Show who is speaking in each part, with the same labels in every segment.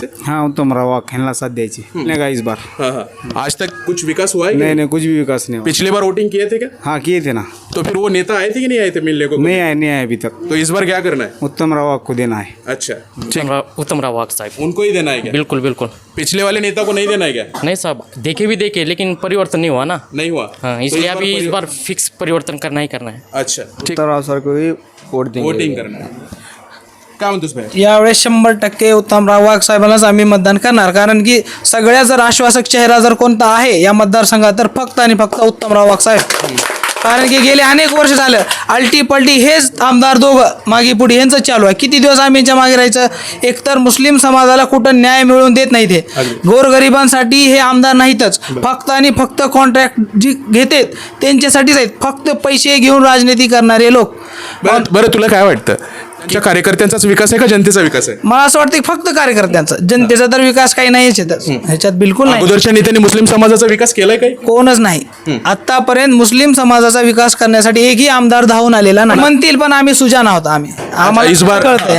Speaker 1: से?
Speaker 2: हाँ उत्तम राव खेलना साथ द्यायची नहीं का इस बार।
Speaker 1: हाँ, आज तक कुछ विकास हुआ है?
Speaker 2: नहीं कुछ भी विकास नहीं हुआ।
Speaker 1: पिछले बार वोटिंग किए थे क्या?
Speaker 2: हाँ किए थे ना।
Speaker 1: तो फिर वो नेता आए थे कि नहीं आए थे मिलने को?
Speaker 2: नहीं आए अभी तक।
Speaker 1: तो इस बार क्या करना है?
Speaker 2: उत्तम राव को देना है।
Speaker 1: अच्छा,
Speaker 3: उत्तम राव वाघ साहब,
Speaker 1: उनको ही देना है क्या?
Speaker 3: बिल्कुल बिल्कुल।
Speaker 1: पिछले वाले नेता को नहीं देना है क्या?
Speaker 3: नहीं साहब, देखे लेकिन परिवर्तन नहीं हुआ ना।
Speaker 1: नहीं हुआ।
Speaker 3: हाँ,
Speaker 1: तो
Speaker 3: इसलिए अभी इस बार फिक्स परिवर्तन करना ही करना है।
Speaker 1: अच्छा, ठीक,
Speaker 2: उत्तम राव सर को ही वोट देंगे।
Speaker 1: वोटिंग करना है। काय म्हणतोस भाई?
Speaker 4: यावेळेस 100% उत्तमराव वाघ साहेबांनाच आम्ही मतदान करणार, कारण की सगळ्या जर आश्वासक चेहरा जर कोणता आहे या मतदारसंघात तर फक्त आणि फक्त उत्तमराव वाघ साहेब. कारण की गेले अनेक वर्ष झालं अल्टी पलटी हेच आमदार दोघं मागे पुढे यांचं चालू आहे. किती दिवस आम्ही यांच्या मागे राहायचं. एकतर मुस्लिम समाजाला कुठं न्याय मिळवून देत नाही ते, गोरगरिबांसाठी हे आमदार नाहीतच, फक्त आणि फक्त कॉन्ट्रॅक्ट जी घेतात त्यांच्यासाठीच आहेत, फक्त पैसे घेऊन राजनीती करणारे लोक.
Speaker 1: बरं तुला काय वाटतं, कार्यकर्त्यांचाच विकास आहे का जनतेचा विकास आहे?
Speaker 4: मला असं वाटतं की फक्त कार्यकर्त्यांचा, जनतेचा तर विकास काही नाहीच आहे ह्याच्यात, बिलकुल नाही.
Speaker 1: अगोदरच्या नेत्यांनी मुस्लिम समाजाचा विकास केलाय काही?
Speaker 4: कोणच नाही. आतापर्यंत मुस्लिम समाजाचा विकास करण्यासाठी एकही आमदार धावून आलेला नाही. म्हणतील पण आम्ही सुजान आहोत. आम्हाला कळतंय.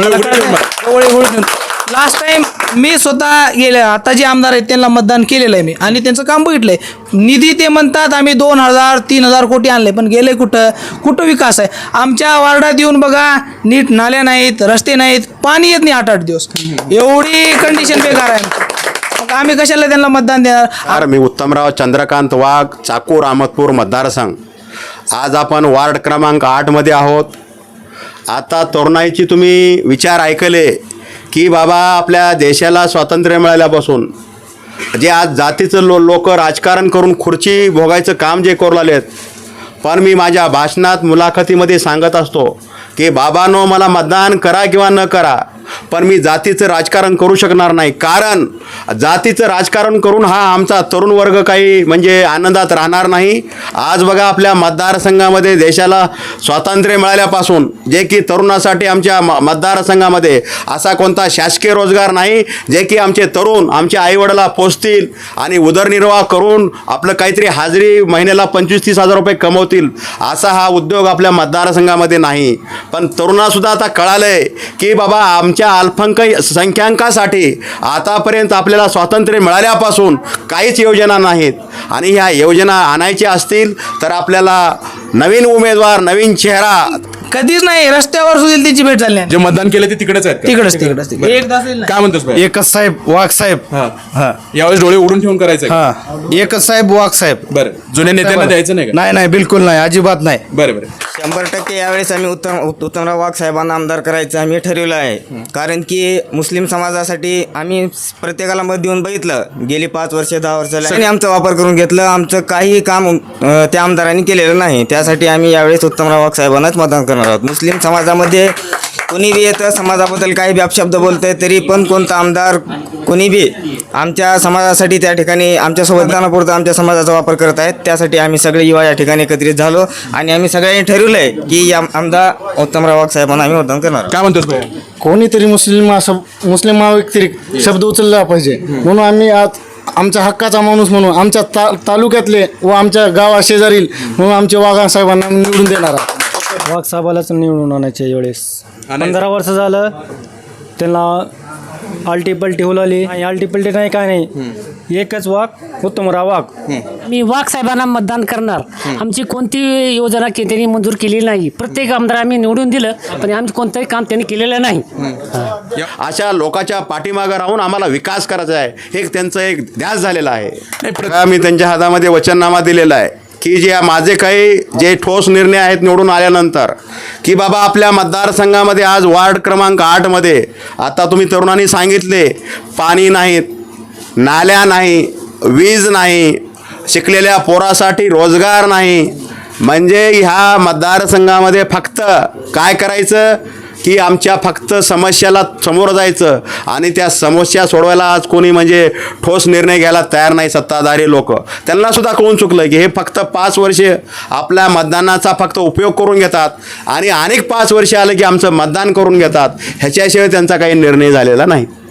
Speaker 4: लास्ट टाइम मी स्वतः गेले, आता जे आमदार आहेत त्यांना मतदान केलेलं आहे मी आणि त्यांचं काम बघितलंय. निधी ते म्हणतात आम्ही 2,000-3,000 कोटी आणले, पण गेले कुठं विकास आहे. आमच्या वार्डात येऊन बघा, नीट नाल्या नाहीत, रस्ते नाहीत, पाणी येत नाही 8-8 दिवस. एवढी कंडिशन बेकार आहे. मग आम्ही कशाला त्यांना मतदान देणार.
Speaker 5: मी उत्तमराव चंद्रकांत वाघ, चाकूर अहमदपूर मतदारसंघ. आज आपण वार्ड क्रमांक 8 मध्ये आहोत. आता तरुणाईची तुम्ही विचार ऐकले की बाबा आपल्या देशाला स्वातंत्र्य मिळाल्यापासून जे आज जातीचं लोक राजकारण करून खुर्ची भोगायचं काम जे करू लागलेत, पण मी माझ्या भाषणात मुलाखतीमध्ये सांगत असतो की बाबांनो मला मतदान करा किंवा न करा, पण मी जातीचं राजकारण करू शकणार नाही. कारण जातीचं राजकारण करून हा आमचा तरुण वर्ग काही म्हणजे आनंदात राहणार नाही. आज बघा आपल्या मतदारसंघामध्ये देशाला स्वातंत्र्य मिळाल्यापासून जे की तरुणासाठी आमच्या मतदारसंघामध्ये असा कोणता शासकीय रोजगार नाही जे की आमचे तरुण आमच्या आईवडिला पोचतील आणि उदरनिर्वाह करून आपलं काहीतरी हाजरी महिन्याला 25-30 हजार रुपये कमवतील, असा हा उद्योग आपल्या मतदारसंघामध्ये नाही. पण तरुणासुद्धा आता कळालंय की बाबा आमच्या अल्पसंख्याकांसाठी आतापर्यंत आपल्याला स्वातंत्र्य मिळाल्यापासून काहीच योजना नाहीत आणि ह्या योजना आणायच्या असतील तर आपल्याला नवीन उमेदवार, नवीन चेहरा
Speaker 4: कधीच नाही. रस्त्यावर सुद्धा त्यांची भेट झाली नाही.
Speaker 1: जे मतदान केलं ते तिकडेच आहेत का?
Speaker 4: तिकडच
Speaker 1: काय म्हणतोस भाई?
Speaker 2: एकच साहेब वाघ साहेब.
Speaker 1: हा, यावेळेस डोळे उडून ठेवून करायचं का?
Speaker 2: हाँ एकच साहेब वाघ साहेब.
Speaker 1: बरं, जुन्या नेत्यांना द्यायचं नाही का?
Speaker 2: नाही बिलकुल नाही, अजिबात नाही.
Speaker 1: बरं
Speaker 6: 100% यावेळेस आम्ही उत्तमराव वाघ साहेबांना आमदार करायचं आम्ही ठरवलं आहे. कारण की मुस्लिम समाजासाठी आम्ही प्रत्येकाला मत देऊन बघितलं, गेली 5 वर्ष 10 वर्ष आणि आमचा वापर करून घेतलं. आमचं काही काम त्या आमदारांनी केलेलं नाही. त्यासाठी आम्ही यावेळेस उत्तमराव वाघ साहेबांनाच मतदान करणार आहोत. मुस्लिम समाजामध्ये कोणी बी येतं, समाजाबद्दल काही बी अपशब्द बोलतंय, तरी पण कोणता आमदार कोणी बी आमच्या समाजासाठी त्या ठिकाणी आमच्यासोबत गाण्यापुरतं आमच्या समाजाचा वापर करत आहेत. त्यासाठी आम्ही सगळे युवा या ठिकाणी एकत्रित झालो आणि आम्ही सगळ्यांनी ठरवलं आहे की या आमदार उत्तमराव वाघ साहेबांना आम्ही मतदान करणार.
Speaker 1: काय म्हणतोस भाई?
Speaker 2: कोणीतरी मुस्लिम व्यतिरिक्त शब्द उचलला पाहिजे, म्हणून आम्ही आज आमच्या हक्काचा माणूस म्हणून आमच्या तालुक्यातले व आमच्या गावा शेजारील म्हणून आमच्या वाघ साहेबांना निवडून देणार आहोत.
Speaker 7: वाघ साहेबालाच निवडून आणायचे. वेळेस 15 वर्ष झालं त्यांना आलटी पलटी होलाली. आलटी पलटी नाही काय नाही, एकच वाघ उत्तमराव वाघ.
Speaker 8: मी वाघ साहेबांना मतदान करणार. आमची कोणती योजना त्यांनी मंजूर केलेली नाही. प्रत्येक आमदार आम्ही निवडून दिलं, पण आमचं कोणतंही काम त्यांनी केलेलं नाही.
Speaker 5: अशा लोकांच्या पाठीमागं राहून आम्हाला विकास करायचा आहे, हे त्यांचं एक ध्यास झालेलं आहे. मी त्यांच्या हातामध्ये वचननामा दिलेला आहे की जे माझे काही जे ठोस निर्णय आहेत निवडून आल्यानंतर की बाबा आपल्या मतदारसंघामध्ये आज वार्ड क्रमांक 8 मध्ये आता तुम्ही तरुणांनी सांगितले, पाणी नाहीत, नाल्या नाही, वीज नाही, शिकलेल्या पोरासाठी रोजगार नाही. म्हणजे ह्या मतदारसंघामध्ये फक्त काय करायचं की आमच्या फक्त समस्याला समोर जायचं आणि त्या समस्या सोडवायला आज कोणी म्हणजे ठोस निर्णय घ्यायला तयार नाही. सत्ताधारी लोक त्यांनासुद्धा कळून चुकलं की हे फक्त 5 वर्षे आपल्या मतदानाचा फक्त उपयोग करून घेतात आणि अनेक 5 वर्षे आलं की आमचं मतदान करून घेतात. ह्याच्याशिवाय त्यांचा काही निर्णय झालेला नाही.